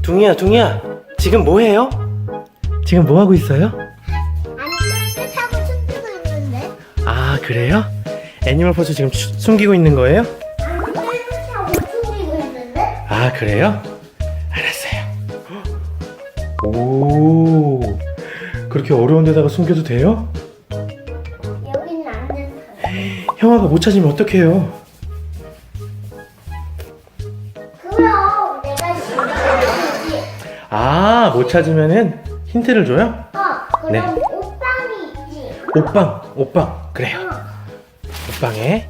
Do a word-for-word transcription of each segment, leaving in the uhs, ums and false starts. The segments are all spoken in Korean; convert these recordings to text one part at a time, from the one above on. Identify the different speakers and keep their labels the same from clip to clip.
Speaker 1: 둥이야, 둥이야, 지금 뭐 해요? 지금 뭐 하고 있어요?
Speaker 2: 아니, 썰매 타고 숨기고 있는데?
Speaker 1: 아, 그래요? 애니멀 포즈 지금 추- 숨기고 있는 거예요?
Speaker 2: 아니, 썰매 타고 숨기고 있는데?
Speaker 1: 아, 그래요? 알았어요. 오, 그렇게 어려운 데다가 숨겨도 돼요?
Speaker 2: 여기는 안 된다.
Speaker 1: 형아가 못 찾으면 어떡해요?
Speaker 2: 그럼 내가 숨겨야지.
Speaker 1: 아, 못 찾으면은 힌트를 줘요?
Speaker 2: 어, 그럼
Speaker 1: 네.
Speaker 2: 옷방이 있지.
Speaker 1: 옷방, 옷방. 그래요.
Speaker 2: 어.
Speaker 1: 옷방에.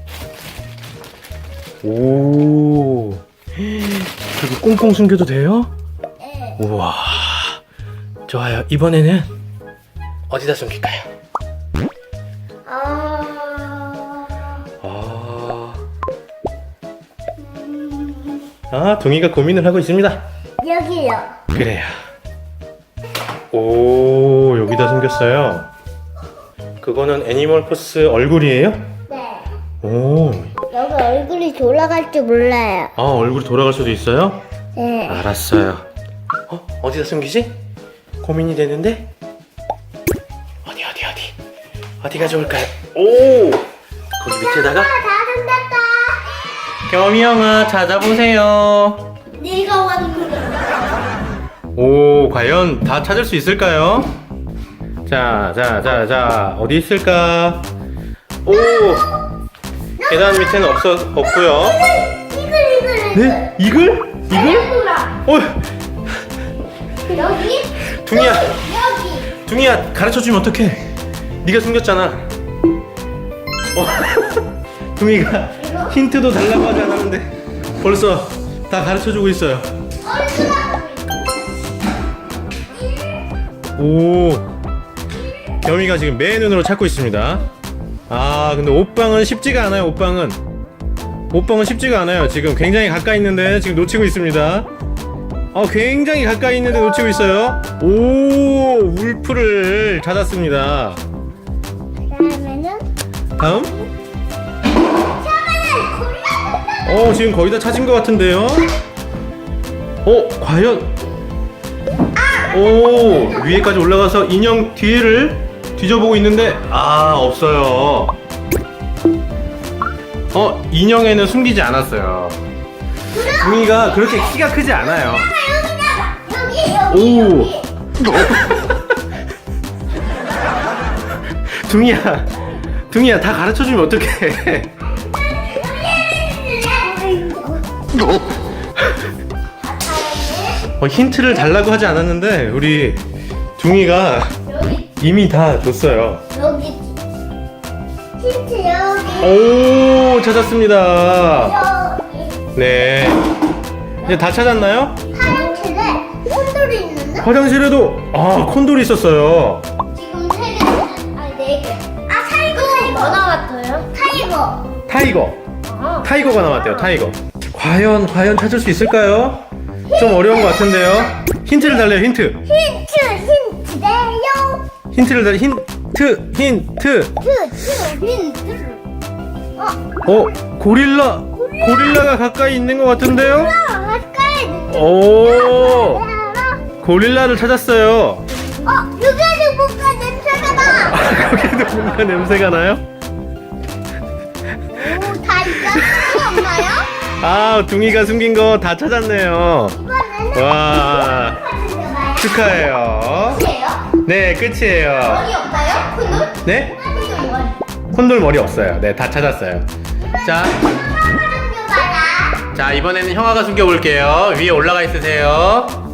Speaker 1: 오, 그리고 꽁꽁 숨겨도 돼요?
Speaker 2: 네.
Speaker 1: 우와, 좋아요. 이번에는 어디다 숨길까요?
Speaker 2: 아,
Speaker 1: 아,
Speaker 2: 음,
Speaker 1: 아, 둥이가 고민을 하고 있습니다.
Speaker 2: 여기요.
Speaker 1: 그래요. 오, 여기다 숨겼어요. 그거는 애니멀 포스 얼굴이에요?
Speaker 2: 네.
Speaker 1: 오,
Speaker 2: 여기 얼굴이 돌아갈 줄 몰라요.
Speaker 1: 아, 얼굴이 돌아갈 수도 있어요?
Speaker 2: 네.
Speaker 1: 알았어요. 어, 어디다 숨기지? 고민이 되는데? 어디, 어디, 어디? 어디가 좋을까요? 오, 거기 밑에다가?
Speaker 2: 아, 다 숨겼다.
Speaker 1: 겸이 형아, 찾아보세요.
Speaker 2: 네가 왔는데.
Speaker 1: 오, 과연 다 찾을 수 있을까요? 자, 자, 자, 자, 어디 있을까? 오, 계단 밑에는 없어, 없고요.
Speaker 2: 이글, 이글, 이글.
Speaker 1: 네? 이글? 이글?
Speaker 2: 돌아.
Speaker 1: 어,
Speaker 2: 여기?
Speaker 1: 둥이야,
Speaker 2: 여기.
Speaker 1: 둥이야, 가르쳐주면 어떡해? 네가 숨겼잖아. 어, 둥이가 힌트도 달라고 하지 않았는데 벌써 다 가르쳐주고 있어요. 오, 겸이가 지금 맨 눈으로 찾고 있습니다. 아, 근데 옷방은 쉽지가 않아요. 옷방은 옷방은 쉽지가 않아요. 지금 굉장히 가까이 있는데 지금 놓치고 있습니다. 어, 굉장히 가까이 있는데 놓치고 있어요. 오, 울프를 찾았습니다.
Speaker 2: 그다음에는
Speaker 1: 다음? 어, 지금 거의 다 찾은 것 같은데요? 어, 과연? 오, 위에까지 올라가서 인형 뒤를 뒤져보고 있는데, 아, 없어요. 어, 인형에는 숨기지 않았어요. 둥이가 그렇게 키가 크지 않아요.
Speaker 2: 여기 여기
Speaker 1: 오.
Speaker 2: 여기.
Speaker 1: 둥이야, 둥이야, 다 가르쳐주면 어떡해. 어, 힌트를 달라고 하지 않았는데 우리 둥이가
Speaker 2: 여기
Speaker 1: 이미 다 줬어요.
Speaker 2: 여기 힌트 여기
Speaker 1: 오, 찾았습니다.
Speaker 2: 여기
Speaker 1: 네, 이제 다 찾았나요?
Speaker 2: 화장실에 콘돌이 있는데
Speaker 1: 화장실에도 아, 콘돌이 있었어요.
Speaker 2: 지금 세 개, 아니 네 개. 아 타이거 타이거 뭐 나왔어요? 타이거.
Speaker 1: 타이거,
Speaker 2: 어.
Speaker 1: 타이거가 나왔대요. 타이거. 과연 과연 찾을 수 있을까요? 좀 어려운 것 같은데요. 힌트를 달래요. 힌트.
Speaker 2: 힌트 힌트 내요.
Speaker 1: 힌트를 달래. 힌트, 힌트.
Speaker 2: 힌트 힌트. 어
Speaker 1: 어, 고릴라. 고릴라가 가까이 있는 것 같은데요.
Speaker 2: 가까이.
Speaker 1: 오,
Speaker 2: 알아?
Speaker 1: 고릴라를 찾았어요.
Speaker 2: 어 여기는 뭔가 냄새가 나.
Speaker 1: 거기도 뭔가 냄새가 나요?
Speaker 2: 오다 있었어요 엄마요?
Speaker 1: 아, 둥이가 숨긴 거 다 찾았네요.
Speaker 2: 이번에는
Speaker 1: 와,
Speaker 2: 찾으셔봐요.
Speaker 1: 축하해요.
Speaker 2: 끝이에요?
Speaker 1: 네, 끝이에요.
Speaker 2: 머리 없나요? 콘돌?
Speaker 1: 네?
Speaker 2: 콘돌 머리.
Speaker 1: 콘돌 머리 없어요. 네, 다 찾았어요. 자,
Speaker 2: 숨겨봐라.
Speaker 1: 자, 이번에는 형아가 숨겨볼게요. 위에 올라가 있으세요.